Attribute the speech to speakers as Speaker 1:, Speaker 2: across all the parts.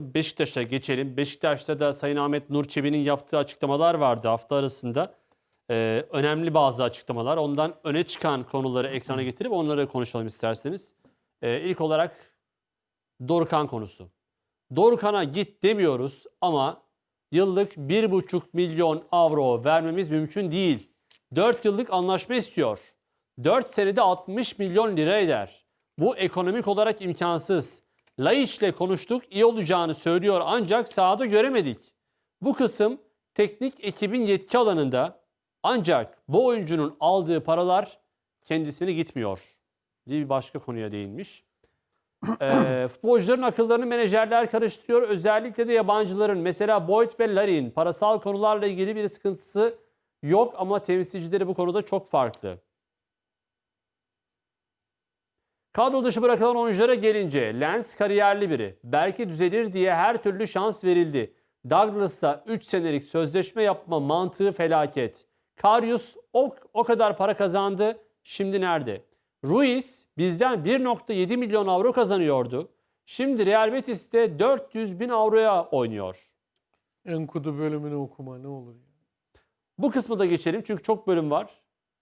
Speaker 1: Beşiktaş'a geçelim. Beşiktaş'ta da Sayın Ahmet Nur Çebi'nin yaptığı açıklamalar vardı hafta arasında. Önemli bazı açıklamalar. Ondan öne çıkan konuları ekrana getirip onları konuşalım isterseniz. İlk olarak Dorukhan konusu. Dorukhan'a git demiyoruz ama yıllık 1,5 milyon avro vermemiz mümkün değil. 4 yıllık anlaşma istiyor. 4 senede 60 milyon lira eder. Bu ekonomik olarak imkansız. Laiç'le konuştuk, iyi olacağını söylüyor ancak sahada göremedik. Bu kısım teknik ekibin yetki alanında, ancak bu oyuncunun aldığı paralar kendisine gitmiyor diye bir başka konuya değinmiş. Futbolcuların akıllarını menajerler karıştırıyor. Özellikle de yabancıların. Mesela Boyd ve Larin parasal konularla ilgili bir sıkıntısı yok ama temsilcileri bu konuda çok farklı. Kadro dışı bırakılan oyunculara gelince Lens kariyerli biri. Belki düzelir diye her türlü şans verildi. Douglas'ta 3 senelik sözleşme yapma mantığı felaket. Karius o kadar para kazandı. Şimdi nerede? Ruiz bizden 1,7 milyon avro kazanıyordu. Şimdi Real Betis'te 400 bin avroya oynuyor.
Speaker 2: Enkudu bölümünü okuma ne olur ya.
Speaker 1: Bu kısmı da geçelim çünkü çok bölüm var.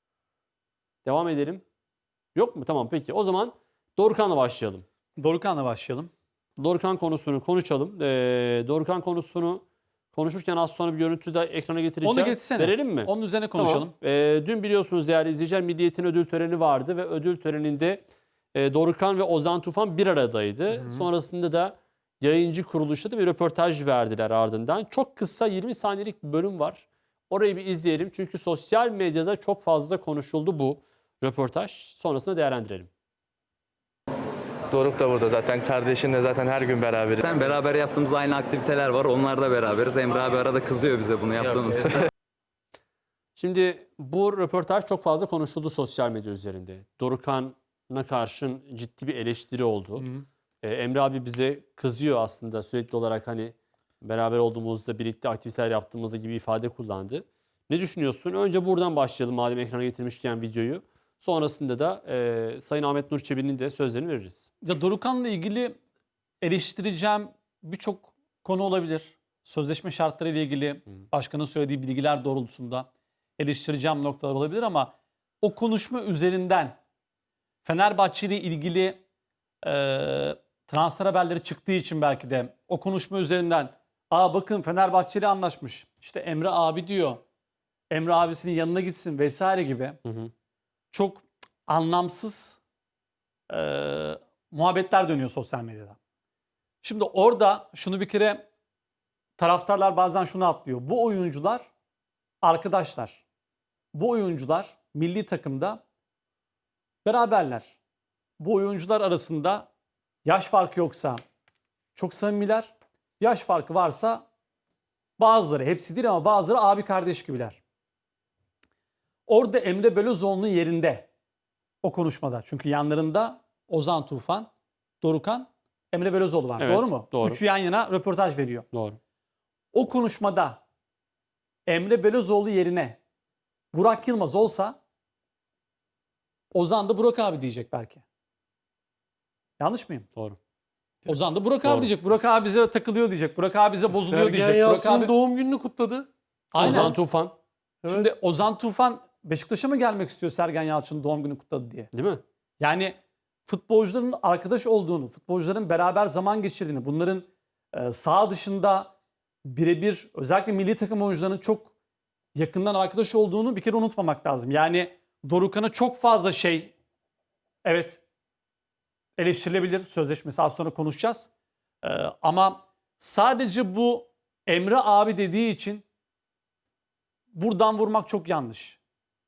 Speaker 1: Devam edelim. Yok mu? Tamam peki. O zaman Dorukhan'la başlayalım.
Speaker 3: Dorukhan'la başlayalım.
Speaker 1: Dorukhan konusunu konuşalım. Dorukhan konusunu konuşurken az sonra bir görüntü de ekrana getireceğiz.
Speaker 3: Onu geçsene.
Speaker 1: Verelim mi?
Speaker 3: Onun üzerine konuşalım.
Speaker 1: Tamam. Dün biliyorsunuz değerli izleyiciler Milliyet'in ödül töreni vardı ve ödül töreninde Dorukhan ve Ozan Tufan bir aradaydı.
Speaker 2: Hı.
Speaker 1: Sonrasında da yayıncı kuruluşta da bir röportaj verdiler ardından. Çok kısa 20 saniyelik bir bölüm var. Orayı bir izleyelim çünkü sosyal medyada çok fazla konuşuldu bu röportaj. Sonrasında değerlendirelim.
Speaker 4: Doruk da burada zaten. Kardeşinle zaten her gün beraberiz.
Speaker 5: Beraber yaptığımız aynı aktiviteler var. Onlar da beraberiz. Emre abi arada kızıyor bize bunu yaptığımız.
Speaker 1: Şimdi bu röportaj çok fazla konuşuldu sosyal medya üzerinde. Dorukhan'a karşın ciddi bir eleştiri oldu. Emre abi bize kızıyor aslında sürekli olarak hani beraber olduğumuzda birlikte aktiviteler yaptığımızda gibi ifade kullandı. Ne düşünüyorsun? Önce buradan başlayalım madem ekrana getirmişken videoyu. Sonrasında da Sayın Ahmet Nur Çebi'nin de sözlerini veririz.
Speaker 3: Ya Dorukhan'la ilgili eleştireceğim birçok konu olabilir. Sözleşme şartları ile ilgili başkanın söylediği bilgiler doğrultusunda eleştireceğim noktalar olabilir ama o konuşma üzerinden Fenerbahçe ile ilgili transfer haberleri çıktığı için belki de o konuşma üzerinden bakın Fenerbahçe ile anlaşmış. İşte Emre abi diyor. Emre abisinin yanına gitsin vesaire gibi. Çok anlamsız muhabbetler dönüyor sosyal medyada. Şimdi orada şunu bir kere taraftarlar bazen şunu atlıyor. Bu oyuncular arkadaşlar. Bu oyuncular milli takımda beraberler. Bu oyuncular arasında yaş farkı yoksa çok samimiler. Yaş farkı varsa bazıları, hepsi değil ama bazıları abi kardeş gibiler. Orada Emre Belözoğlu'nun yerinde o konuşmada. Çünkü yanlarında Ozan Tufan, Dorukhan, Emre Belözoğlu var.
Speaker 1: Evet,
Speaker 3: doğru mu?
Speaker 1: doğru.
Speaker 3: Üçü yan yana röportaj veriyor.
Speaker 1: Doğru.
Speaker 3: O konuşmada Emre Belözoğlu yerine Burak Yılmaz olsa Ozan da Burak abi diyecek belki. Yanlış mıyım?
Speaker 1: Doğru.
Speaker 3: Ozan da Burak
Speaker 1: Doğru.
Speaker 3: abi diyecek. Burak abi bize takılıyor diyecek. Burak abi bize bozuluyor
Speaker 2: Sergen
Speaker 3: diyecek. Burak
Speaker 2: Yalçın'ın
Speaker 3: abi...
Speaker 2: doğum gününü kutladı.
Speaker 3: Aynen.
Speaker 1: Ozan Tufan
Speaker 2: Evet.
Speaker 3: Şimdi Ozan Tufan Beşiktaş'a mı gelmek istiyor Sergen Yalçın'ın doğum günü kutladı diye?
Speaker 1: değil mi?
Speaker 3: Yani futbolcuların arkadaş olduğunu, futbolcuların beraber zaman geçirdiğini, bunların saha dışında birebir özellikle milli takım oyuncularının çok yakından arkadaş olduğunu bir kere unutmamak lazım. Yani Dorukhan'a çok fazla şey evet eleştirilebilir. Sözleşmesi az sonra konuşacağız. Ama sadece bu Emre abi dediği için buradan vurmak çok yanlış.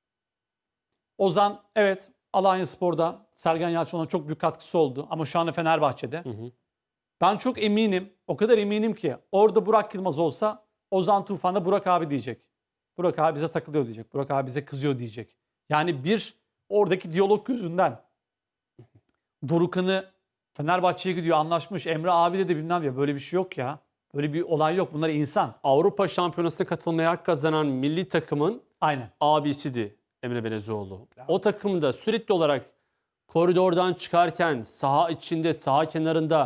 Speaker 3: Ozan evet Alanyaspor'da Sergen Yalçın'a çok büyük katkısı oldu ama şu anda Fenerbahçe'de. Ben çok eminim, o kadar eminim ki orada Burak Yılmaz olsa Ozan Tufan da Burak abi diyecek. Burak abi bize takılıyor diyecek. Burak abi bize kızıyor diyecek. Yani bir oradaki diyalog yüzünden Dorukhan'ı Fenerbahçe'ye gidiyor anlaşmış. Emre abi de bilmem ya böyle bir şey yok ya. Böyle bir olay yok. Bunlar insan.
Speaker 1: Avrupa Şampiyonası'na katılmaya hak kazanan milli takımın
Speaker 3: Aynen.
Speaker 1: abisiydi Emre Belözoğlu. O takımda sürekli olarak koridordan çıkarken saha içinde, saha kenarında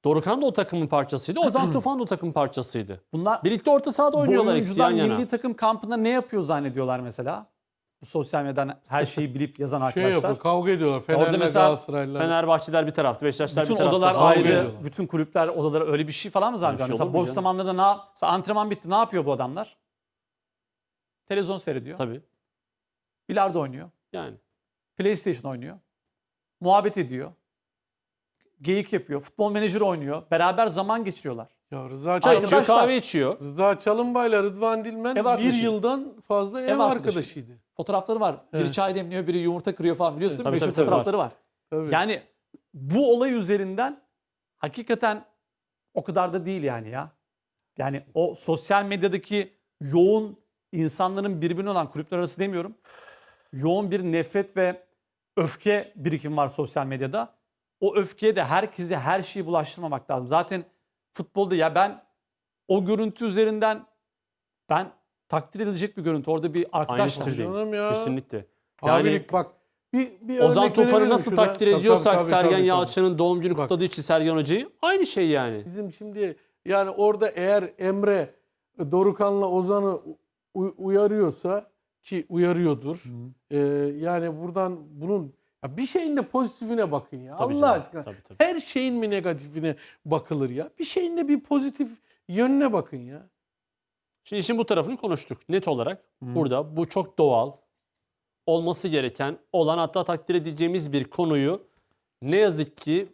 Speaker 1: Dorukhan da o takımın parçasıydı. Ozan Tufan da o takımın parçasıydı.
Speaker 3: Bunlar
Speaker 1: Birlikte orta sahada
Speaker 3: bu
Speaker 1: oynuyorlar ikisi yan
Speaker 3: oyuncular
Speaker 1: yana.
Speaker 3: milli takım kampında ne yapıyor zannediyorlar mesela? Bu sosyal medyadan her şeyi bilip yazan
Speaker 2: Şey
Speaker 3: arkadaşlar.
Speaker 2: yapıyor, kavga ediyorlar.
Speaker 3: Orada
Speaker 2: Fenerler,
Speaker 3: mesela
Speaker 2: Galatasaraylılar.
Speaker 1: Fenerbahçeler bir tarafta, Beşiktaşlar
Speaker 3: Bütün
Speaker 1: bir tarafta.
Speaker 3: odalar
Speaker 1: kavga
Speaker 3: ayrı,
Speaker 1: ediyorlar.
Speaker 3: bütün kulüpler odaları öyle bir şey falan mı zannediyor?
Speaker 1: Öyle bir şey
Speaker 3: Mesela
Speaker 1: olur mu
Speaker 3: boş
Speaker 1: canım?
Speaker 3: zamanlarda mesela antrenman bitti ne yapıyor bu adamlar? Televizyon seyrediyor,
Speaker 1: Tabii.
Speaker 3: bilardo oynuyor,
Speaker 1: Yani.
Speaker 3: PlayStation oynuyor, muhabbet ediyor, geyik yapıyor, futbol menajeri oynuyor, beraber zaman geçiriyorlar.
Speaker 2: Ya Rıza
Speaker 1: Çay
Speaker 2: Çalın,
Speaker 1: içiyor,
Speaker 3: Arkadaşlar-
Speaker 1: kahve içiyor.
Speaker 2: Rıza Çalınbay'la Rıdvan Dilmen
Speaker 3: Ev
Speaker 2: bir
Speaker 3: arkadaşı.
Speaker 2: yıldan fazla ev
Speaker 3: arkadaşı.
Speaker 2: arkadaşıydı.
Speaker 3: Fotoğrafları var. Biri
Speaker 2: Evet.
Speaker 3: çay demliyor, biri yumurta kırıyor falan biliyorsun.
Speaker 1: Tabii,
Speaker 3: Meşhur
Speaker 1: tabii, tabii,
Speaker 3: fotoğrafları var.
Speaker 2: Tabii.
Speaker 3: Yani bu olay üzerinden hakikaten o kadar da değil yani ya. Yani o sosyal medyadaki yoğun insanların birbirine olan kulüpler arası demiyorum. Yoğun bir nefret ve öfke birikimi var sosyal medyada. O öfkeye de herkese her şeyi bulaştırmamak lazım. Zaten futbolda ya ben o görüntü üzerinden ben takdir edilecek bir görüntü. Orada bir arkadaş
Speaker 1: Aynı
Speaker 3: var.
Speaker 1: fikirdeyim.
Speaker 2: Canım ya.
Speaker 1: Kesinlikle. Yani
Speaker 2: Abilik bak. Bir
Speaker 1: Ozan
Speaker 2: örnek
Speaker 1: Tufan'ı
Speaker 2: verelim
Speaker 1: nasıl
Speaker 2: şurada.
Speaker 1: takdir
Speaker 2: Tabii,
Speaker 1: ediyorsak
Speaker 2: tabii,
Speaker 1: Sergen
Speaker 2: tabii.
Speaker 1: Yalçın'ın doğum günü
Speaker 2: Bak.
Speaker 1: kutladığı için Sergen Hoca'yı aynı şey yani.
Speaker 2: Bizim şimdi yani orada eğer Emre Dorukhan'la Ozan'ı uyarıyorsa ki uyarıyordur. Yani buradan bunun ya bir şeyin de pozitifine bakın ya.
Speaker 1: Tabii
Speaker 2: Allah
Speaker 1: canım,
Speaker 2: aşkına.
Speaker 1: tabii, tabii.
Speaker 2: Her şeyin mi negatifine bakılır ya? Bir şeyin de bir pozitif yönüne bakın ya.
Speaker 1: Şimdi işin bu tarafını konuştuk net olarak. Burada bu çok doğal, olması gereken, olan hatta takdir edeceğimiz bir konuyu ne yazık ki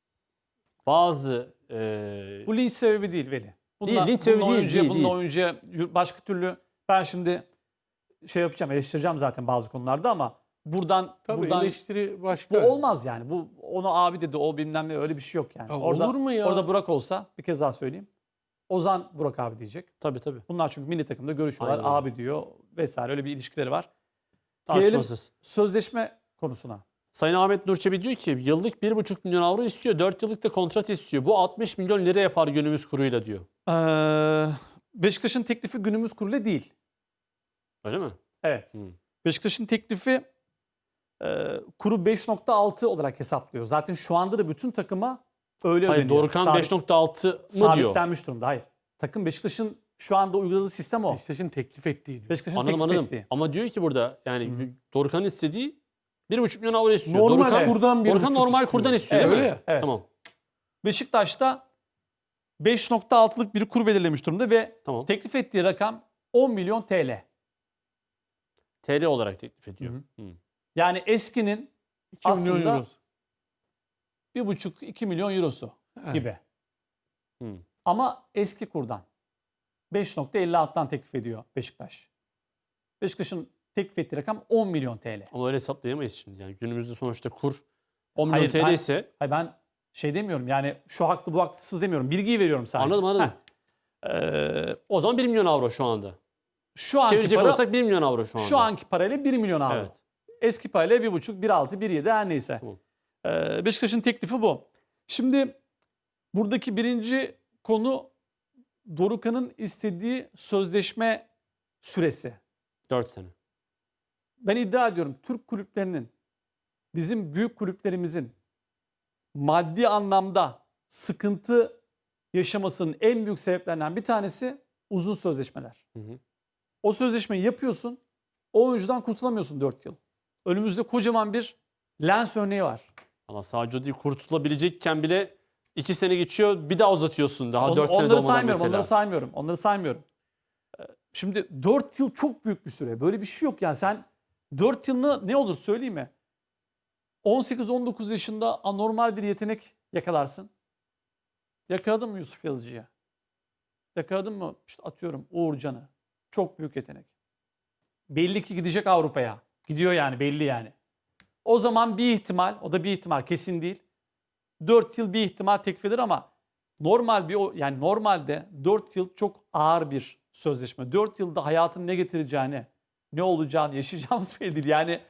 Speaker 1: bazı
Speaker 3: Bu linç sebebi değil Veli.
Speaker 1: Değil, linç sebebi değil,
Speaker 3: Bunun
Speaker 1: değil.
Speaker 3: oyuncuya başka türlü ben şimdi şey yapacağım, eleştireceğim zaten bazı konularda ama buradan
Speaker 2: Tabii
Speaker 3: buradan
Speaker 2: eleştiri
Speaker 3: bu
Speaker 2: başka.
Speaker 3: olmaz yani. Bu onu abi dedi, o bilmem ne öyle bir şey yok yani.
Speaker 2: Ya
Speaker 3: Orada
Speaker 2: olur mu ya?
Speaker 3: orada Burak olsa bir kez daha söyleyeyim. Ozan Burak abi diyecek.
Speaker 1: tabii tabii
Speaker 3: Bunlar çünkü milli takımda görüşüyorlar.
Speaker 1: Aynen öyle.
Speaker 3: Abi diyor vesaire öyle bir ilişkileri var. Gelelim
Speaker 1: tartışmasız.
Speaker 3: sözleşme konusuna.
Speaker 1: Sayın Ahmet Nurçebi diyor ki yıllık 1,5 milyon avro istiyor. 4 yıllık da kontrat istiyor. Bu 60 milyon lira yapar günümüz kuruyla diyor.
Speaker 3: Beşiktaş'ın teklifi günümüz kuruyla değil.
Speaker 1: Öyle mi?
Speaker 3: Evet.
Speaker 1: Hı.
Speaker 3: Beşiktaş'ın teklifi kuru 5.6 olarak hesaplıyor. Zaten şu anda da bütün takıma öyle
Speaker 1: Hayır
Speaker 3: ödeniyor.
Speaker 1: Dorukhan
Speaker 3: Sabit-
Speaker 1: 5,6 mı diyor?
Speaker 3: sabitlenmiş durumda. Hayır. Takım Beşiktaş'ın şu anda uyguladığı sistem o.
Speaker 2: Beşiktaş'ın teklif ettiği diyor.
Speaker 3: Beşiktaş'ın
Speaker 1: Anladım
Speaker 3: teklif
Speaker 1: anladım.
Speaker 3: ettiği.
Speaker 1: Ama diyor ki burada yani Dorukhan'ın istediği 1,5 milyon avro istiyor.
Speaker 2: Normal
Speaker 1: Dorukhan,
Speaker 2: kurdan bir
Speaker 1: Dorukhan
Speaker 2: buçuk
Speaker 1: normal
Speaker 2: istiyor.
Speaker 1: kurdan istiyor
Speaker 3: Evet,
Speaker 1: değil mi?
Speaker 2: öyle ya.
Speaker 3: Evet.
Speaker 1: Tamam.
Speaker 3: Beşiktaş'ta 5.6'lık bir kur belirlemiş durumda ve
Speaker 1: Tamam.
Speaker 3: teklif ettiği rakam 10 milyon TL.
Speaker 1: TL olarak teklif ediyor. Hı.
Speaker 3: Yani eskinin
Speaker 2: 2 milyon
Speaker 3: aslında
Speaker 2: euro.
Speaker 3: 1,5-2 milyon eurosu gibi.
Speaker 1: Hı.
Speaker 3: Ama eski kurdan 5.56'dan teklif ediyor Beşiktaş. Beşiktaş'ın teklif ettiği rakam 10 milyon TL.
Speaker 1: Ama öyle hesaplayamayız şimdi. Yani günümüzde sonuçta kur 10 milyon
Speaker 3: Hayır,
Speaker 1: TL
Speaker 3: ben-
Speaker 1: ise
Speaker 3: Hayır ben şey demiyorum yani şu haklı bu haksız demiyorum. Bilgiyi veriyorum sadece.
Speaker 1: anladım.
Speaker 3: Heh.
Speaker 1: O zaman 1 milyon avro şu anda.
Speaker 3: Şu anki
Speaker 1: Çevirecek
Speaker 3: para,
Speaker 1: olursak 1 milyon avro şu anda.
Speaker 3: şu anki parayla 1 milyon avro.
Speaker 1: Evet.
Speaker 3: Eski parayla 1,5, 1,6, 1,7 her neyse.
Speaker 1: Tamam.
Speaker 3: Beşiktaş'ın teklifi bu. Şimdi buradaki birinci konu Dorukhan'ın istediği sözleşme süresi.
Speaker 1: 4 sene.
Speaker 3: Ben iddia ediyorum Türk kulüplerinin, bizim büyük kulüplerimizin maddi anlamda sıkıntı yaşamasının en büyük sebeplerinden bir tanesi uzun sözleşmeler.
Speaker 1: Hı hı.
Speaker 3: O sözleşmeyi yapıyorsun, o oyuncudan kurtulamıyorsun 4 yıl. Önümüzde kocaman bir lens örneği var.
Speaker 1: Ama sadece değil kurtulabilecekken bile 2 sene geçiyor bir daha uzatıyorsun daha 4 sene
Speaker 3: Onları
Speaker 1: dolmadan
Speaker 3: saymıyorum,
Speaker 1: mesela.
Speaker 3: onları saymıyorum. Şimdi 4 yıl çok büyük bir süre. Böyle bir şey yok yani sen 4 yılını ne olur söyleyeyim mi? 18-19 yaşında anormal bir yetenek yakalarsın. Yakaladın mı Yusuf Yazıcı'ya? Yakaladın mı işte atıyorum Uğurcan'ı? Çok büyük yetenek. Belli ki gidecek Avrupa'ya. Gidiyor yani belli yani. O zaman bir ihtimal, o da bir ihtimal kesin değil. 4 yıl bir ihtimal teklif eder ama yani normalde 4 yıl çok ağır bir sözleşme. 4 yılda hayatın ne getireceğini, ne olacağını, yaşayacağımız belli değil. Yani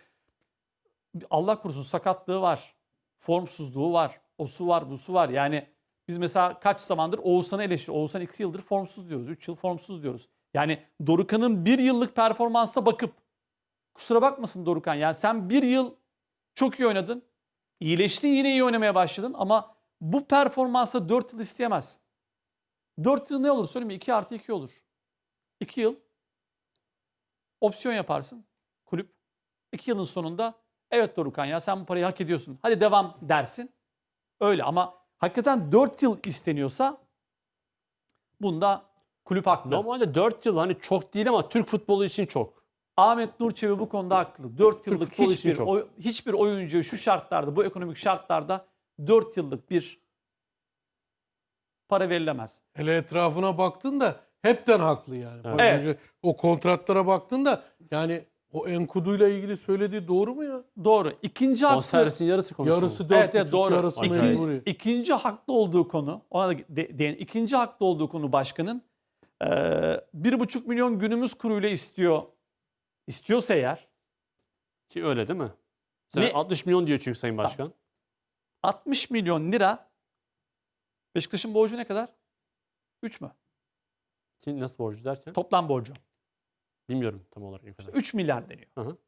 Speaker 3: Allah korusun sakatlığı var, formsuzluğu var, osu var, busu var. Yani biz mesela kaç zamandır Oğuzhan'ı eleştiriyoruz. Oğuzhan 2 yıldır formsuz diyoruz, 3 yıl formsuz diyoruz. Yani Dorukhan'ın 1 yıllık performansına bakıp kusura bakmasın Dorukhan yani sen 1 yıl çok iyi oynadın. İyileştin yine iyi oynamaya başladın ama Bu performansa 4 yıl isteyemezsin. 4 yıl ne olur söyleyeyim mi? 2 artı 2 olur. 2 yıl opsiyon yaparsın kulüp. 2 yılın sonunda evet Dorukhan ya sen bu parayı hak ediyorsun. Hadi devam dersin. Öyle ama hakikaten 4 yıl isteniyorsa bunda kulüp haklı.
Speaker 1: Normalde 4 yıl hani çok değil ama Türk futbolu için çok.
Speaker 3: Ahmet Nur Çebi bu konuda haklı. 4 yıllık
Speaker 1: futbolu için çok.
Speaker 3: hiçbir oyuncu şu şartlarda, bu ekonomik şartlarda 4 yıllık bir para verilemez.
Speaker 2: Hele etrafına baktın da hepten haklı yani. Bak
Speaker 3: Evet.
Speaker 2: önce o kontratlara baktın da yani o Enkudu'yla ilgili söylediği doğru mu ya?
Speaker 3: Doğru. İkinci haklı.
Speaker 1: Bonservisin yarısı konuşuyor.
Speaker 2: Yarısı 4,5,
Speaker 3: Evet, doğru.
Speaker 2: yarısı
Speaker 1: Acayip.
Speaker 2: mecburi.
Speaker 3: İkinci haklı olduğu konu, ona da ikinci haklı olduğu konu başkanın 1,5 milyon günümüz kuruyla istiyorsa eğer
Speaker 1: Ki öyle değil mi? Sen
Speaker 3: Ne?
Speaker 1: 60 milyon diyor çünkü Sayın Başkan.
Speaker 3: 60 milyon lira Beşiktaş'ın borcu ne kadar? 3 mü?
Speaker 1: Ki nasıl borcu derken?
Speaker 3: Toplam borcu.
Speaker 1: Bilmiyorum tam olarak ne kadar.
Speaker 3: 3 milyar deniyor.
Speaker 1: Hı hı.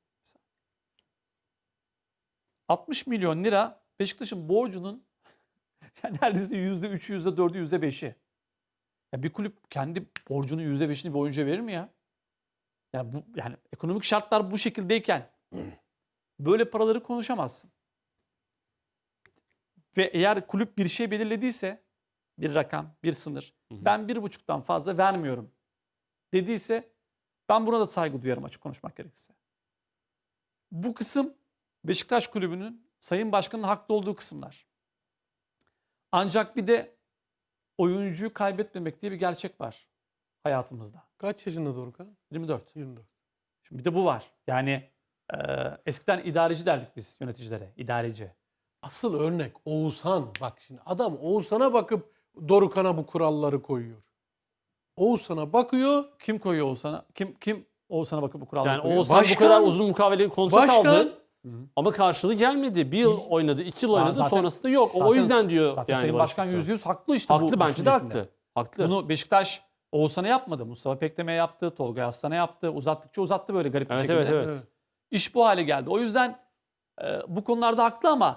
Speaker 3: 60 milyon lira Beşiktaş'ın borcunun yani neredeyse %3'ü, %4'ü, %5'i. Ya bir kulüp kendi borcunun %5'ini bir oyuncuya verir mi ya? Yani ekonomik şartlar bu şekildeyken böyle paraları konuşamazsın. Ve eğer kulüp bir şey belirlediyse, bir rakam, bir sınır, ben 1,5'tan fazla vermiyorum dediyse ben buna da saygı duyarım açık konuşmak gerekirse. Bu kısım Beşiktaş Kulübü'nün Sayın Başkan'ın haklı olduğu kısımlar. Ancak bir de oyuncuyu kaybetmemek diye bir gerçek var hayatımızda.
Speaker 2: Kaç yaşında Dorukhan?
Speaker 3: 24.
Speaker 2: 24.
Speaker 3: Şimdi bir de bu var. Yani eskiden idareci derdik biz yöneticilere. İdareci.
Speaker 2: Asıl örnek Oğuzhan. Bak şimdi adam Oğuzhan'a bakıp Dorukhan'a bu kuralları koyuyor. Oğuzhan'a bakıyor.
Speaker 3: Kim koyuyor Oğuzhan'a? Kim Oğuzhan'a bakıp bu kuralları
Speaker 1: Yani
Speaker 3: koyuyor?
Speaker 1: Oğuzhan bu kadar uzun mukavele kontrat
Speaker 2: Başkan
Speaker 1: aldı. Ama karşılığı gelmedi. Bir yıl oynadı, 2 yıl oynadı.
Speaker 3: Zaten-
Speaker 1: sonrasında yok. O
Speaker 3: Zaten-
Speaker 1: yüzden diyor
Speaker 3: Zaten
Speaker 1: yani
Speaker 3: Sayın
Speaker 1: Barış
Speaker 3: Başkan
Speaker 1: Aksoy.
Speaker 3: %100 haklı işte bu
Speaker 1: Haklı, bence de
Speaker 3: düşüncesinde.
Speaker 1: haklı. Haklı.
Speaker 3: Bunu Beşiktaş Oğuzhan'a yapmadı. Mustafa Pektem'e yaptı. Tolga Aslan'a yaptı. Uzattıkça uzattı böyle garip bir
Speaker 1: Evet,
Speaker 3: şekilde.
Speaker 1: evet, evet.
Speaker 2: Evet.
Speaker 3: İş bu hale geldi. O yüzden bu konularda haklı ama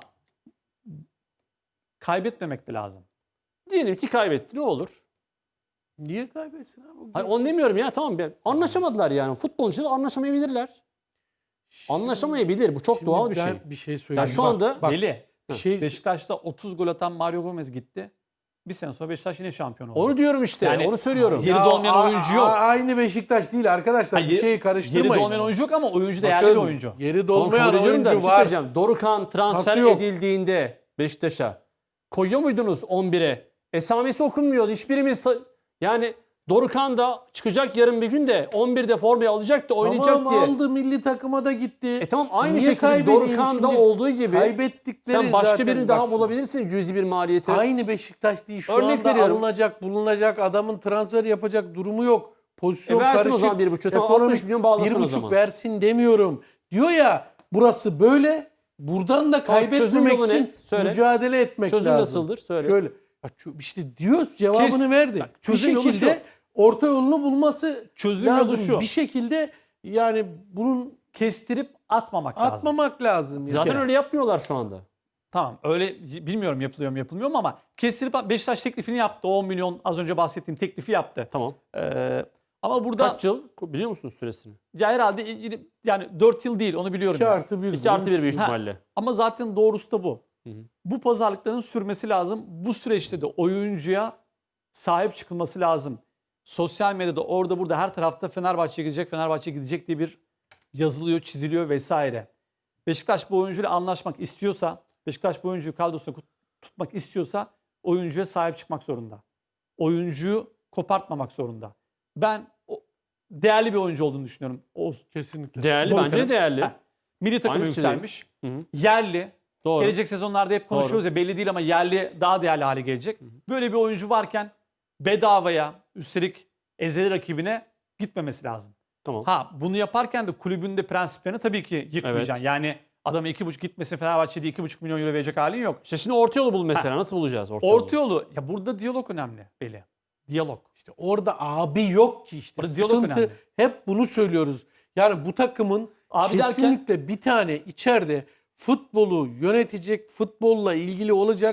Speaker 3: kaybetmemek de lazım.
Speaker 1: Diyelim ki kaybetti. Ne olur?
Speaker 2: Niye kaybetsin abi?
Speaker 1: Hayır, onu demiyorum ya, tamam. Anlaşamadılar yani. Futbolun içinde anlaşamayabilirler. Anlaşamayabilir. Bu çok
Speaker 2: Şimdi
Speaker 1: doğal bir
Speaker 2: ben
Speaker 1: şey.
Speaker 2: bir şey söyleyeyim.
Speaker 1: Ya şu anda
Speaker 2: bak,
Speaker 3: Deli.
Speaker 2: bir şey
Speaker 3: Beşiktaş'ta 30 gol atan Mario Gomez gitti. Bir sene sonra Beşiktaş yine şampiyon oldu.
Speaker 1: onu diyorum işte.
Speaker 3: Yani-
Speaker 1: onu söylüyorum.
Speaker 3: Yeri dolmayan oyuncu yok.
Speaker 2: Aynı Beşiktaş değil arkadaşlar.
Speaker 3: Hayır,
Speaker 2: bir şeyi karıştırmayın.
Speaker 3: Yeri dolmayan oyuncu yok ama oyuncu değerli
Speaker 2: Bakın,
Speaker 3: bir oyuncu.
Speaker 2: Yeri
Speaker 1: Tamam,
Speaker 2: dolmayan
Speaker 1: kabul ediyorum da bir
Speaker 2: oyuncu
Speaker 1: şey
Speaker 2: var.
Speaker 1: söyleyeceğim. Dorukhan transfer
Speaker 2: Nasıl yok?
Speaker 1: edildiğinde Beşiktaş'a koyuyor muydunuz 11'e? Esamesi okunmuyordu. Hiçbirimiz yani Dorukhan da çıkacak yarın bir gün de 11'de formayı alacak da oynayacak
Speaker 2: Tamam
Speaker 1: diye.
Speaker 2: aldı, milli takıma da gitti.
Speaker 1: Tamam, aynı
Speaker 2: Niye
Speaker 1: şekilde
Speaker 2: kaybedeyim
Speaker 1: Dorukhan'da
Speaker 2: şimdi?
Speaker 1: olduğu gibi
Speaker 2: Kaybettikleri
Speaker 1: sen başka
Speaker 2: zaten
Speaker 1: birini daha
Speaker 2: bak-
Speaker 1: bulabilirsin cüzi bir maliyeti.
Speaker 2: Aynı Beşiktaş değil. Şu
Speaker 1: Örnek
Speaker 2: anda
Speaker 1: veriyorum.
Speaker 2: alınacak, bulunacak adamın transfer yapacak durumu yok. Pozisyon
Speaker 1: versin
Speaker 2: karışık.
Speaker 1: o zaman 1,5. Tamam,
Speaker 2: Ekonomik
Speaker 1: 60 milyon bağlasın o
Speaker 2: 1,5
Speaker 1: zaman.
Speaker 2: versin demiyorum. Diyor ya burası böyle. Buradan da
Speaker 1: Tamam, çözüm
Speaker 2: kaybetmemek
Speaker 1: yolu ne?
Speaker 2: için
Speaker 1: Söyle.
Speaker 2: mücadele etmek
Speaker 1: Çözüm
Speaker 2: lazım.
Speaker 1: nasıldır? Söyle.
Speaker 2: Şöyle. İşte diyor cevabını verdi.
Speaker 3: Bak, çözüm
Speaker 2: bir
Speaker 3: yolu
Speaker 2: şekilde
Speaker 3: şu.
Speaker 2: orta yolunu bulması
Speaker 3: Çözüm yolu
Speaker 2: lazım.
Speaker 3: şu.
Speaker 2: Bir şekilde yani bunun
Speaker 3: Kestirip atmamak lazım.
Speaker 2: atmamak lazım. Yani.
Speaker 1: Zaten öyle yapmıyorlar şu anda.
Speaker 3: Tamam öyle bilmiyorum yapılıyor mu yapılmıyor mu ama kestirip Beşiktaş teklifini yaptı. O 10 milyon az önce bahsettiğim teklifi yaptı.
Speaker 1: Tamam.
Speaker 3: Ama burada
Speaker 1: Kaç yıl biliyor musunuz süresini?
Speaker 3: ya herhalde yani 4 yıl değil onu biliyorum.
Speaker 2: 2
Speaker 3: yani.
Speaker 2: artı 1.
Speaker 1: 2 artı 1 büyük
Speaker 3: Ha.
Speaker 1: ihtimalle.
Speaker 3: Ama zaten doğrusu da bu.
Speaker 1: Hı hı.
Speaker 3: Bu pazarlıkların sürmesi lazım. Bu süreçte de oyuncuya sahip çıkılması lazım. Sosyal medyada orada burada her tarafta Fenerbahçe'ye gidecek, Fenerbahçe'ye gidecek diye bir yazılıyor, çiziliyor vesaire. Beşiktaş bu oyuncuyla anlaşmak istiyorsa, Beşiktaş bu oyuncuyu kadrosuna tutmak istiyorsa oyuncuya sahip çıkmak zorunda. Oyuncuyu kopartmamak zorunda. Ben değerli bir oyuncu olduğunu düşünüyorum. Oğuz.
Speaker 2: Kesinlikle.
Speaker 1: Değerli,
Speaker 3: Dorukhan'ın.
Speaker 1: bence değerli.
Speaker 3: Ha, milli takıma
Speaker 1: Aynı fikirdeyim.
Speaker 3: yükselmiş.
Speaker 1: Hı hı.
Speaker 3: Yerli.
Speaker 1: Doğru.
Speaker 3: Gelecek sezonlarda hep konuşuyoruz ya belli değil ama yerli daha değerli hale gelecek. Böyle bir oyuncu varken bedavaya üstelik ezeli rakibine gitmemesi lazım.
Speaker 1: Tamam.
Speaker 3: Ha bunu yaparken de kulübün de prensiplerini tabii ki yıkmayacaksın.
Speaker 1: Evet.
Speaker 3: Yani adama 2,5 gitmesin Fenerbahçe'de 2,5 milyon euro verecek halin yok.
Speaker 1: İşte şimdi orta yolu bul mesela. Nasıl bulacağız orta,
Speaker 3: Orta
Speaker 1: yolu?
Speaker 3: yolu ya burada diyalog önemli Beli. Diyalog.
Speaker 2: İşte orada abi yok ki işte.
Speaker 3: Orada diyalog
Speaker 2: Sıkıntı
Speaker 3: önemli.
Speaker 2: hep bunu söylüyoruz. Yani bu takımın
Speaker 3: Abi derken
Speaker 2: kesinlikle bir tane içeride futbolu yönetecek, futbolla ilgili olacak,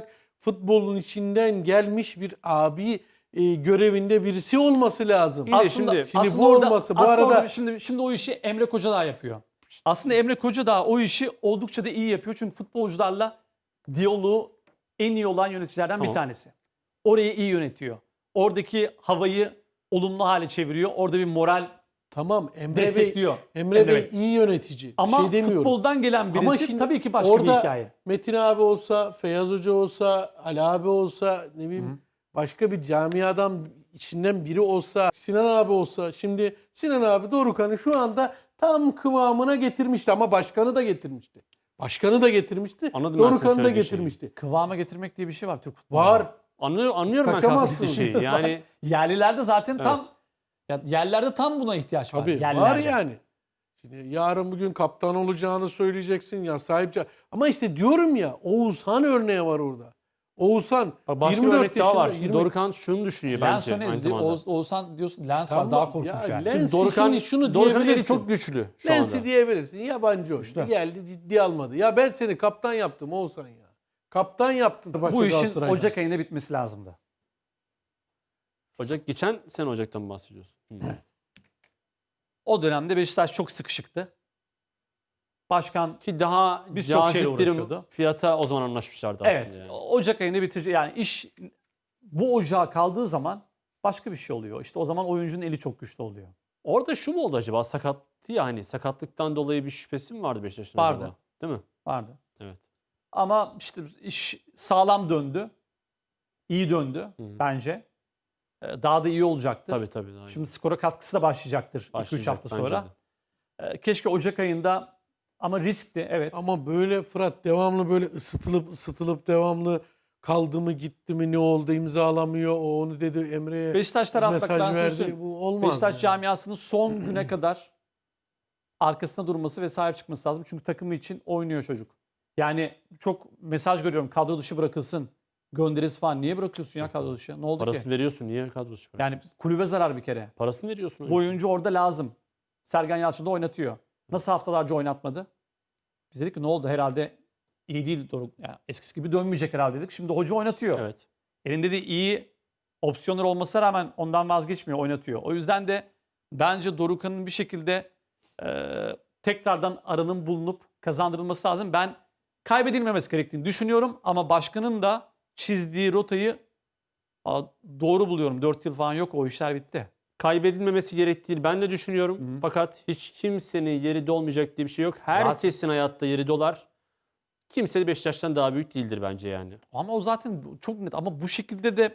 Speaker 2: futbolun içinden gelmiş bir abi görevinde birisi olması lazım.
Speaker 1: İyi de şimdi
Speaker 2: bu olması, bu
Speaker 3: aslında
Speaker 2: arada-
Speaker 3: şimdi o işi Emre Kocadağ yapıyor. Aslında Emre Kocadağ o işi oldukça da iyi yapıyor. Çünkü futbolcularla diyaloğu en iyi olan yöneticilerden bir
Speaker 1: Tamam.
Speaker 3: tanesi. Orayı iyi yönetiyor. Oradaki havayı olumlu hale çeviriyor. Orada bir moral
Speaker 2: Tamam, Emre Bey,
Speaker 3: destekliyor.
Speaker 2: Emre Bey
Speaker 3: Bey.
Speaker 2: iyi yönetici.
Speaker 3: Ama
Speaker 2: bir şey demiyorum.
Speaker 3: futboldan gelen birisi
Speaker 2: Ama şimdi
Speaker 3: tabii ki başka bir
Speaker 2: orada
Speaker 3: hikaye.
Speaker 2: Metin abi olsa, Feyyaz Hoca olsa, Ali abi olsa, ne bileyim başka bir camiadan içinden biri olsa, Sinan abi olsa. Şimdi Sinan abi Dorukhan'ı şu anda tam kıvamına getirmişti ama başkanı da getirmişti. Başkanı da getirmişti.
Speaker 1: Anladım ben senin
Speaker 2: Dorukhan'ı da
Speaker 1: söylediğin şeyi.
Speaker 2: getirmişti.
Speaker 3: Kıvama getirmek diye bir şey var Türk futbolunda.
Speaker 2: Var.
Speaker 1: Anlıyorum ben
Speaker 2: Kaçamazsın.
Speaker 1: kastettiği şeyi. Yani
Speaker 3: Yerlilerde zaten tam
Speaker 1: Evet.
Speaker 3: ya yerlerde tam buna ihtiyaç var.
Speaker 2: Tabii
Speaker 3: Yerlerde.
Speaker 2: var yani. Şimdi yarın bugün kaptan olacağını söyleyeceksin ya sahipçi. Ama işte diyorum ya Oğuzhan örneği var orada. Oğuzhan
Speaker 1: bak başka bir
Speaker 2: 24
Speaker 1: örnek daha var.
Speaker 2: yaşında,
Speaker 1: Şimdi Dorukhan şunu düşünüyor
Speaker 3: Lens
Speaker 1: bence aynı
Speaker 3: önemli.
Speaker 1: zamanda.
Speaker 3: Oğuzhan diyorsun Lens
Speaker 2: Tamam,
Speaker 3: var daha korkunç
Speaker 2: ya
Speaker 3: yani.
Speaker 2: Lens-
Speaker 1: Şimdi Dorukhan,
Speaker 2: Şimdi şunu
Speaker 1: Dorukhan'ın eli
Speaker 2: diyebilirsin.
Speaker 1: çok güçlü şu
Speaker 2: Lens'i
Speaker 1: anda.
Speaker 2: diyebilirsin. Yabancı oyuncu. Geldi ciddi almadı. Ya ben seni kaptan yaptım Oğuzhan ya. Kaptan yaptın.
Speaker 3: Bu işin Ocak ayında bitmesi lazımdı.
Speaker 1: Geçen sene Ocak'tan mı bahsediyorsun? Hı.
Speaker 3: O dönemde Beşiktaş çok sıkışıktı. Başkan
Speaker 1: Ki daha
Speaker 3: Biz çok şeyle
Speaker 1: cazip bir
Speaker 3: uğraşıyordu.
Speaker 1: fiyata o zaman anlaşmışlardı
Speaker 3: evet
Speaker 1: aslında. Yani.
Speaker 3: Ocak ayında bitirecek. Yani iş bu ocağa kaldığı zaman başka bir şey oluyor. İşte o zaman oyuncunun eli çok güçlü oluyor.
Speaker 1: Orada şu mu oldu acaba? Sakattı ya hani sakatlıktan dolayı bir şüphesi mi vardı Beşiktaş'ın
Speaker 3: Vardı.
Speaker 1: acaba? Değil mi?
Speaker 3: Vardı.
Speaker 1: Evet.
Speaker 3: Ama işte iş sağlam döndü. İyi döndü bence. Daha da iyi olacaktır.
Speaker 1: Tabii. Aynen.
Speaker 3: Şimdi skora katkısı da başlayacaktır 2-3
Speaker 1: Başlayacak
Speaker 3: hafta
Speaker 1: bence
Speaker 3: sonra.
Speaker 1: de.
Speaker 3: Keşke Ocak ayında ama riskli evet.
Speaker 2: Ama böyle Fırat devamlı böyle ısıtılıp devamlı kaldı mı gitti mi ne oldu imzalamıyor. O onu dedi Emre'ye
Speaker 3: Beşiktaş tarafı bak
Speaker 2: mesaj
Speaker 3: ben size
Speaker 2: verdi.
Speaker 3: söyleyeyim.
Speaker 2: Bu olmaz.
Speaker 3: Beşiktaş
Speaker 2: yani.
Speaker 3: camiasının son güne kadar arkasında durması ve sahip çıkması lazım. Çünkü takımı için oynuyor çocuk. Yani çok mesaj görüyorum. Kadro dışı bırakılsın. Gönderisi falan. Niye bırakıyorsun ya kadro dışı? Ne oldu
Speaker 1: Parasını
Speaker 3: ki?
Speaker 1: veriyorsun. Niye kadro çıkar?
Speaker 3: Yani kulübe zarar bir kere.
Speaker 1: Parasını veriyorsun.
Speaker 3: Bu oyuncu orada lazım. Sergen Yalçın da oynatıyor. Nasıl haftalarca oynatmadı? Biz dedik ki ne oldu herhalde iyi değil. Yani eskisi gibi dönmeyecek herhalde dedik. Şimdi hoca oynatıyor.
Speaker 1: Evet.
Speaker 3: Elinde de iyi opsiyonlar olmasına rağmen ondan vazgeçmiyor, oynatıyor. O yüzden de bence Dorukhan'ın bir şekilde tekrardan aranın bulunup kazandırılması lazım. Ben kaybedilmemesi gerektiğini düşünüyorum ama başkanın da çizdiği rotayı doğru buluyorum. 4 yıl falan yok, o işler bitti.
Speaker 1: Kaybedilmemesi gerektiğini ben de düşünüyorum. Fakat hiç kimsenin yeri dolmayacak diye bir şey yok. Herkesin hayatta yeri dolar. Kimse de Beşiktaş'tan daha büyük değildir bence yani.
Speaker 3: Ama o zaten çok net ama bu şekilde de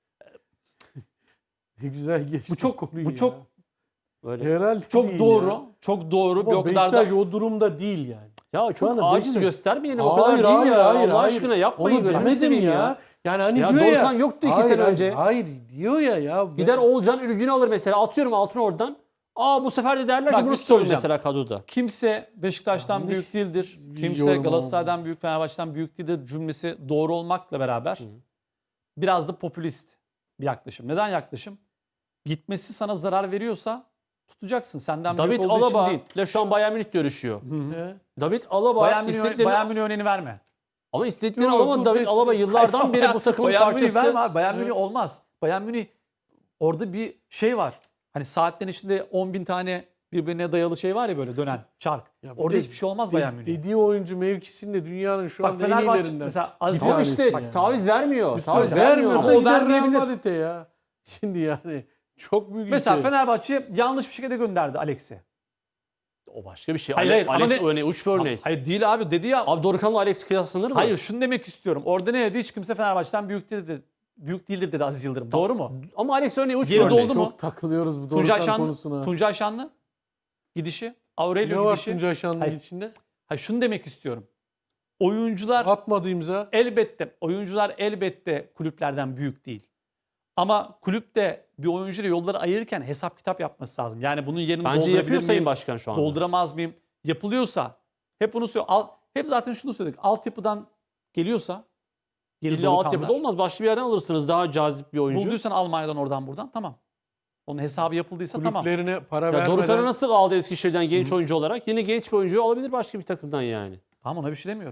Speaker 2: Ne güzel geçti.
Speaker 3: bu çok
Speaker 2: konuyu
Speaker 3: bu
Speaker 2: ya.
Speaker 3: çok
Speaker 2: Herhalde değil
Speaker 3: çok doğru.
Speaker 2: ya.
Speaker 3: Çok doğru.
Speaker 2: Ama
Speaker 3: Bir o kadar da
Speaker 2: Beşiktaş o durumda değil yani.
Speaker 1: Ya çok
Speaker 2: anda
Speaker 1: aciz
Speaker 2: Beşiktaş-
Speaker 1: göstermeyelim o kadar değil ya. Allah aşkına yapmayın.
Speaker 2: Onu
Speaker 1: gözünü
Speaker 2: demedim
Speaker 1: seveyim
Speaker 2: ya. Yani hani
Speaker 1: Ya
Speaker 2: diyor ya.
Speaker 1: Dorukhan yoktu iki sene önce.
Speaker 2: Hayır diyor ya.
Speaker 1: Gider Oğulcan Ülgün'ü alır mesela. Atıyorum altını oradan. Bu sefer de derler
Speaker 3: Bak,
Speaker 1: ki
Speaker 3: bir
Speaker 1: bunu
Speaker 3: şey
Speaker 1: tutalım
Speaker 3: söyleyeceğim.
Speaker 1: mesela kadroda.
Speaker 3: kimse Beşiktaş'tan
Speaker 2: Yanlış
Speaker 3: büyük değildir.
Speaker 2: bir
Speaker 3: Kimse
Speaker 2: yorum
Speaker 3: Galatasaray'dan büyük, Fenerbahçe'den büyük değildir cümlesi doğru olmakla beraber biraz da popülist bir yaklaşım. Neden yaklaşım? Gitmesi sana zarar veriyorsa tutacaksın. Senden
Speaker 1: David
Speaker 3: büyük olduğu için
Speaker 1: Alaba
Speaker 3: değil.
Speaker 1: ile şu an Bayern Münih görüşüyor.
Speaker 2: He?
Speaker 1: David Alaba
Speaker 3: Bayern
Speaker 1: istediklerini
Speaker 3: Münih örneğini verme.
Speaker 1: ama istediklerini
Speaker 2: Yok,
Speaker 1: alamam.
Speaker 2: dur,
Speaker 1: David
Speaker 2: biz-
Speaker 1: Alaba yıllardan beri bu takımın
Speaker 3: Bayern Münih
Speaker 1: parçası.
Speaker 3: verme abi. Bayern Münih olmaz. Bayern Münih orada bir şey var. Hani saatlerin içinde 10.000 tane birbirine dayalı şey var ya böyle dönen çark.
Speaker 2: Ya bir
Speaker 3: Orada
Speaker 2: de
Speaker 3: hiçbir şey olmaz Bayern Münih.
Speaker 2: Dediği oyuncu mevkisinde dünyanın şu
Speaker 3: Bak
Speaker 2: anda en
Speaker 3: Fenerbahçe
Speaker 2: iyilerinden.
Speaker 3: mesela Aziz
Speaker 1: Ama
Speaker 2: tanesi
Speaker 1: işte
Speaker 2: yani.
Speaker 1: taviz vermiyor. Taviz
Speaker 3: söyleyeyim.
Speaker 1: vermiyor.
Speaker 2: Vermiyorsa
Speaker 3: Ama o
Speaker 2: gider Real
Speaker 3: vermeyebilir.
Speaker 2: Madrid'e ya. Şimdi yani çok büyük
Speaker 3: Mesela
Speaker 2: işte.
Speaker 3: Fenerbahçe yanlış bir şekilde gönderdi Alex'i.
Speaker 1: O başka bir şey.
Speaker 3: Hayır, ama
Speaker 1: Alex
Speaker 3: ne-
Speaker 1: örneği, uç bir örnek.
Speaker 3: Hayır değil abi dedi ya.
Speaker 1: Abi Dorukhan'la Alex kıyaslanır mı?
Speaker 3: Hayır şunu demek istiyorum. Orada ne dedi? Hiç kimse Fenerbahçe'den büyük değildir. Büyük değildir dedi Aziz Yıldırım. Doğru mu?
Speaker 1: Ama Alex örneği uç bir
Speaker 3: Geri
Speaker 1: örnek.
Speaker 3: doldu mu?
Speaker 2: Çok takılıyoruz bu
Speaker 3: Tuncay
Speaker 2: Dorukhan
Speaker 3: Şanlı,
Speaker 2: konusuna.
Speaker 3: Tuncay Şanlı gidişi,
Speaker 2: Ne
Speaker 3: Aurelio
Speaker 2: var
Speaker 3: gidişi.
Speaker 2: Tuncay Şanlı'nın
Speaker 3: Hayır.
Speaker 2: içinde?
Speaker 3: Hayır şunu demek istiyorum. Oyuncular
Speaker 2: Atmadı imza.
Speaker 3: oyuncular elbette kulüplerden büyük değil. Ama kulüp de bir oyuncuyla yolları ayırırken hesap kitap yapması lazım. Yani bunun yerini
Speaker 1: Bence
Speaker 3: doldurabilir
Speaker 1: yapıyor
Speaker 3: miyim?
Speaker 1: Sayın Başkan şu anda.
Speaker 3: Dolduramaz mıyım? Yapılıyorsa hep bunu hep zaten şunu söyledik. Altyapıdan geliyorsa geri
Speaker 1: İlla
Speaker 3: Dorukhanlar.
Speaker 1: altyapıda olmaz. Başka bir yerden alırsınız daha cazip bir oyuncu.
Speaker 3: Bulduysan Almanya'dan oradan buradan tamam. Onun hesabı yapıldıysa tamam.
Speaker 2: Kulüplerine para
Speaker 1: Ya
Speaker 2: vermeden.
Speaker 1: Dorukhan'ı nasıl aldı Eskişehir'den genç oyuncu olarak? Yine genç bir oyuncuyu alabilir başka bir takımdan yani.
Speaker 3: Tamam ona bir şey demiyorum.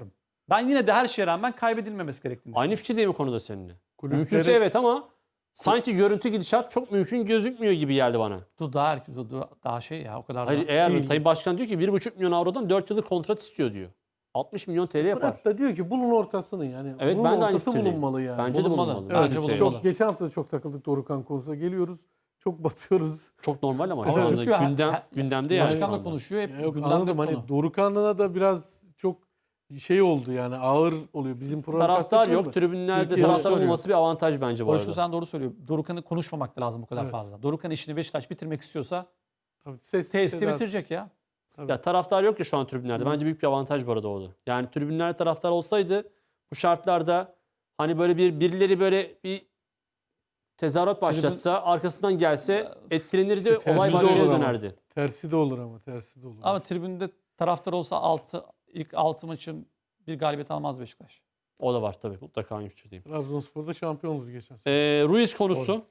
Speaker 3: Ben yine de her şeye rağmen kaybedilmemesi gerektiğini
Speaker 1: Aynı
Speaker 3: düşünüyorum.
Speaker 1: fikirdeyim bu konuda seninle.
Speaker 2: Kulüpleri-
Speaker 1: Mümkünse evet ama sanki görüntü gidişat çok mümkün gözükmüyor gibi geldi bana.
Speaker 3: Dur daha şey ya o kadar
Speaker 1: Hayır
Speaker 3: da.
Speaker 1: eğer
Speaker 2: değil.
Speaker 1: Sayın Başkan diyor ki 1,5 milyon avrodan 4 yıllık kontrat istiyor diyor. 60 milyon TL yapar.
Speaker 2: Fırat da diyor ki bulun ortasını yani.
Speaker 1: Evet,
Speaker 2: bunun
Speaker 1: ben de aynı
Speaker 2: ortası
Speaker 1: fikirdeyim.
Speaker 2: bulunmalı yani.
Speaker 1: Bence de
Speaker 3: Bulunmalı.
Speaker 1: bulunmalı.
Speaker 3: Evet,
Speaker 1: Bence
Speaker 3: bulunmalı.
Speaker 1: bulunmalı.
Speaker 2: Çok geçen hafta da çok takıldık Dorukhan konusuna. Geliyoruz. Çok batıyoruz.
Speaker 1: Çok normal ama
Speaker 3: Ama
Speaker 1: şu anda
Speaker 3: çünkü
Speaker 1: gündemde yani. şu
Speaker 3: Başkan da
Speaker 1: anda.
Speaker 3: konuşuyor. Hep
Speaker 2: Yok,
Speaker 3: gündemde
Speaker 2: anladım.
Speaker 3: konu.
Speaker 2: Hani Dorukhan'la da biraz çok şey oldu yani ağır oluyor. Bizim program
Speaker 1: Taraftar
Speaker 2: kaç
Speaker 1: yok.
Speaker 2: dakika oldu?
Speaker 1: Tribünlerde
Speaker 2: Türkiye
Speaker 1: taraftar
Speaker 3: söylüyor.
Speaker 1: olması bir avantaj bence bu
Speaker 3: Boşlu
Speaker 1: arada.
Speaker 3: sen doğru söylüyor. Dorukhan'ı konuşmamak da lazım o kadar
Speaker 2: Evet.
Speaker 3: fazla. Dorukhan işini Beşiktaş bitirmek istiyorsa
Speaker 2: Tabii, ses-
Speaker 3: testi
Speaker 2: sedası.
Speaker 3: bitirecek ya.
Speaker 1: Ya taraftar yok ya şu an tribünlerde. Bence büyük bir avantaj bu arada oldu. Yani tribünlerde taraftar olsaydı bu şartlarda hani böyle birileri böyle bir tezahürat başlatsa, arkasından gelse etkilenirdi,
Speaker 2: İşte tersi
Speaker 1: olay
Speaker 2: de
Speaker 1: başka
Speaker 2: olur ama.
Speaker 1: dönerdi.
Speaker 2: Tersi de olur ama tersi de olur.
Speaker 3: Ama tribünde taraftar olsa ilk 6 maçın bir galibiyet almaz Beşiktaş.
Speaker 1: O da var tabii. Mutlaka aynı fikirdeyim.
Speaker 2: Trabzonspor'da şampiyon oldu geçen sene.
Speaker 1: Ruiz konusu.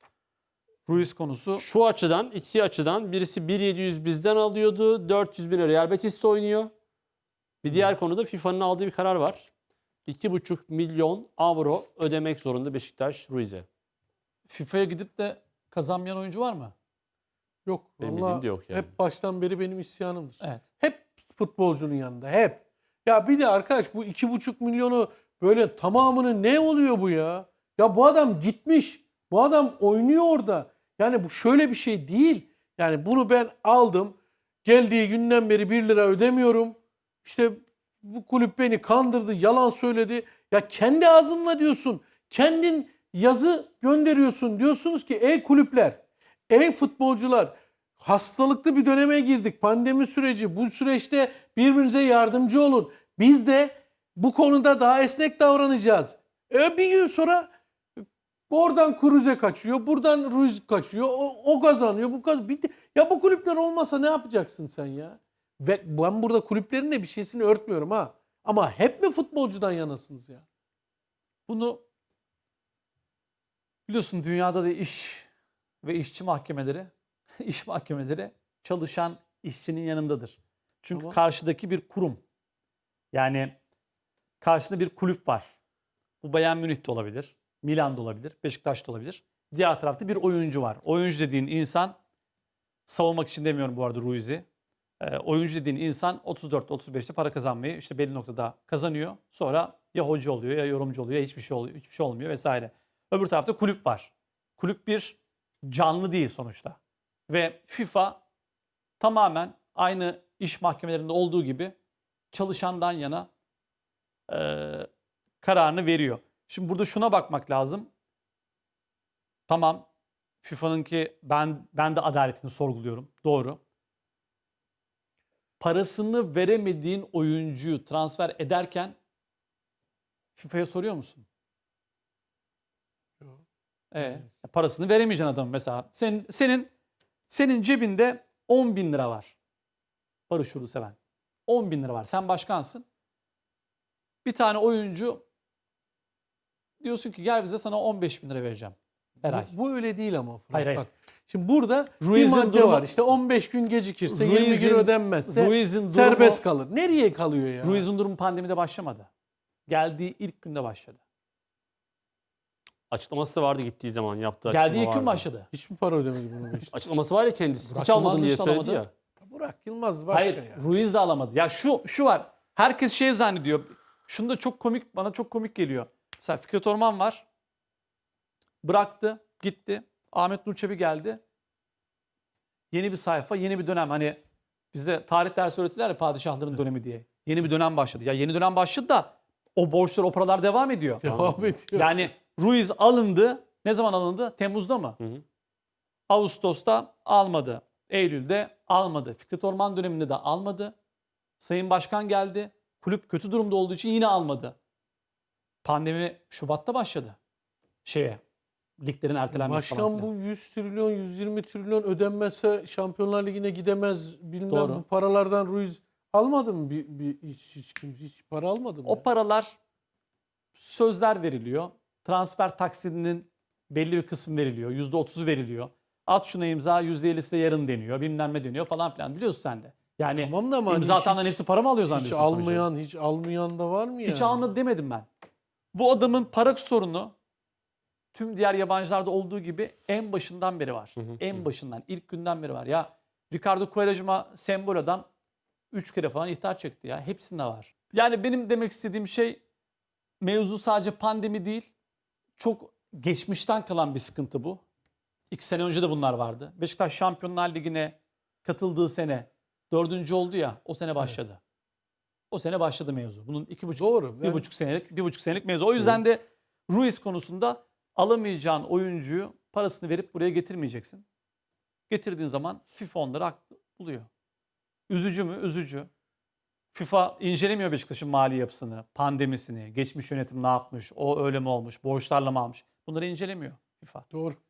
Speaker 3: Ruiz konusu
Speaker 1: Şu açıdan, iki açıdan. Birisi 1.700 bizden alıyordu. 400 bin Real Betis'te oynuyor. Bir diğer konuda FIFA'nın aldığı bir karar var. 2,5 milyon avro ödemek zorunda Beşiktaş Ruiz'e.
Speaker 3: FIFA'ya gidip de kazanmayan oyuncu var mı?
Speaker 2: Yok.
Speaker 1: Benim
Speaker 2: vallahi
Speaker 1: bildiğim de yok yani.
Speaker 2: Hep baştan beri benim isyanımdır.
Speaker 3: Evet.
Speaker 2: Hep futbolcunun yanında. Hep. Ya bir de arkadaş bu 2,5 milyonu böyle tamamını ne oluyor bu ya? Ya bu adam gitmiş. Bu adam oynuyor orada. Yani bu şöyle bir şey değil. Yani bunu ben aldım. Geldiği günden beri 1 lira ödemiyorum. İşte bu kulüp beni kandırdı, yalan söyledi. Ya kendi ağzınla diyorsun. Kendin yazı gönderiyorsun. Diyorsunuz ki ey kulüpler, ey futbolcular, hastalıklı bir döneme girdik. Pandemi süreci. Bu süreçte birbirinize yardımcı olun. Biz de bu konuda daha esnek davranacağız. Bir gün sonra oradan Kruse kaçıyor, buradan Ruiz kaçıyor, o kazanıyor, bu kazanıyor. Bitti. Ya bu kulüpler olmasa ne yapacaksın sen ya? Ve ben burada kulüplerin de bir şeysini örtmüyorum ha. Ama hep mi futbolcudan yanasınız ya?
Speaker 3: Bunu biliyorsun dünyada da iş ve işçi mahkemeleri, iş mahkemeleri çalışan işçinin yanındadır. Çünkü
Speaker 2: Tamam.
Speaker 3: karşıdaki bir kurum. Yani karşısında bir kulüp var. Bu Bayern Münih'te olabilir, Milan'da olabilir, Beşiktaş'ta olabilir. Diğer tarafta bir oyuncu var. Oyuncu dediğin insan, savunmak için demiyorum bu arada Ruiz'i. Oyuncu dediğin insan 34-35'te para kazanmayı işte belli noktada kazanıyor. Sonra ya hoca oluyor ya yorumcu oluyor ya hiçbir şey oluyor, hiçbir şey olmuyor vesaire. Öbür tarafta kulüp var. Kulüp bir canlı değil sonuçta. Ve FIFA tamamen aynı iş mahkemelerinde olduğu gibi çalışandan yana kararını veriyor. Şimdi burada şuna bakmak lazım. Tamam, FIFA'nınki ben de adaletini sorguluyorum. Doğru. Parasını veremediğin oyuncuyu transfer ederken FIFA'ya soruyor musun?
Speaker 2: Yok.
Speaker 3: Parasını veremeyeceksin adam mesela. Senin cebinde 10 bin lira var. Barış Yurtseven. 10 bin lira var. Sen başkansın. Bir tane oyuncu diyorsun ki gel bize sana 15 bin lira vereceğim her ay.
Speaker 2: Bu öyle değil ama. Fırat.
Speaker 3: Hayır, hayır.
Speaker 2: Bak, şimdi burada
Speaker 3: Ruiz'in
Speaker 2: bir madde
Speaker 3: durumu-
Speaker 2: var. İşte 15 gün gecikirse, 20 gün
Speaker 3: Ruiz'in-
Speaker 2: ödenmezse
Speaker 3: Ruiz'in durumu-
Speaker 2: serbest kalır. Nereye kalıyor ya?
Speaker 3: Ruiz'in durumu pandemide başlamadı. Geldiği ilk günde başladı.
Speaker 1: Açıklaması da vardı gittiği zaman yaptığı açıklama
Speaker 3: Geldiği ilk gün
Speaker 1: vardı.
Speaker 3: başladı.
Speaker 2: Hiç mi para ödemedi bunu Beşiktaş?
Speaker 1: Açıklaması var ya kendisi.
Speaker 3: Burak
Speaker 1: Hiç almadın
Speaker 3: Yılmaz
Speaker 1: diye
Speaker 3: işte
Speaker 1: söyledi
Speaker 3: alamadı.
Speaker 1: ya.
Speaker 2: Burak Yılmaz başka
Speaker 3: Hayır,
Speaker 2: ya.
Speaker 3: Ruiz de alamadı. Ya şu var. Herkes şey zannediyor. Şunu da bana çok komik geliyor. Mesela Fikret Orman var. Bıraktı, gitti. Ahmet Nur Çebi geldi. Yeni bir sayfa, yeni bir dönem. Hani bize tarih dersi öğretirler ya padişahların dönemi diye. Yeni bir dönem başladı. Ya yeni dönem başladı da o borçlar, o paralar devam ediyor.
Speaker 2: Devam ediyor.
Speaker 3: Yani Ruiz alındı. Ne zaman alındı? Temmuz'da mı?
Speaker 1: Hı hı.
Speaker 3: Ağustos'ta almadı. Eylül'de almadı. Fikret Orman döneminde de almadı. Sayın Başkan geldi. Kulüp kötü durumda olduğu için yine almadı. Pandemi Şubat'ta başladı. Liglerin ertelenmesi falan
Speaker 2: Başkan
Speaker 3: filan.
Speaker 2: bu 100 trilyon, 120 trilyon ödenmezse Şampiyonlar Ligi'ne gidemez. Bilmem
Speaker 3: Doğru.
Speaker 2: bu paralardan Ruiz almadı mı? Hiç para almadı mı?
Speaker 3: O
Speaker 2: ya?
Speaker 3: paralar sözler veriliyor. Transfer taksidinin belli bir kısmı veriliyor. %30'u veriliyor. At şuna imza %50'si de yarın deniyor. Bilmem ne deniyor falan filan. Biliyorsun sen de. Yani
Speaker 2: Tamam da ama
Speaker 3: imza
Speaker 2: hani
Speaker 3: atanların hepsi para mı alıyor
Speaker 2: hiç
Speaker 3: zannediyorsun?
Speaker 2: hiç almayan da var mı yani?
Speaker 3: Hiç almadı demedim ben. Bu adamın para sorunu tüm diğer yabancılarda olduğu gibi en başından beri var. En başından, ilk günden beri var. Ya Ricardo Quaresma sembol adam 3 kere falan ihtar çekti ya. Hepsinde var. Yani benim demek istediğim şey mevzu sadece pandemi değil. Çok geçmişten kalan bir sıkıntı bu. 2 sene önce de bunlar vardı. Beşiktaş Şampiyonlar Ligi'ne katıldığı sene 4. oldu ya, o sene başladı. O sene başladı mevzu. Bunun 2,5
Speaker 2: Doğru.
Speaker 3: bir buçuk senelik mevzu. O yüzden de Ruiz konusunda alamayacağın oyuncuyu parasını verip buraya getirmeyeceksin. Getirdiğin zaman FIFA onları haklı buluyor. Üzücü mü? Üzücü. FIFA incelemiyor Beşiktaş'ın mali yapısını, pandemisini, geçmiş yönetim ne yapmış, o öyle mi olmuş, borçlarla mı almış. Bunları incelemiyor FIFA.
Speaker 2: Doğru.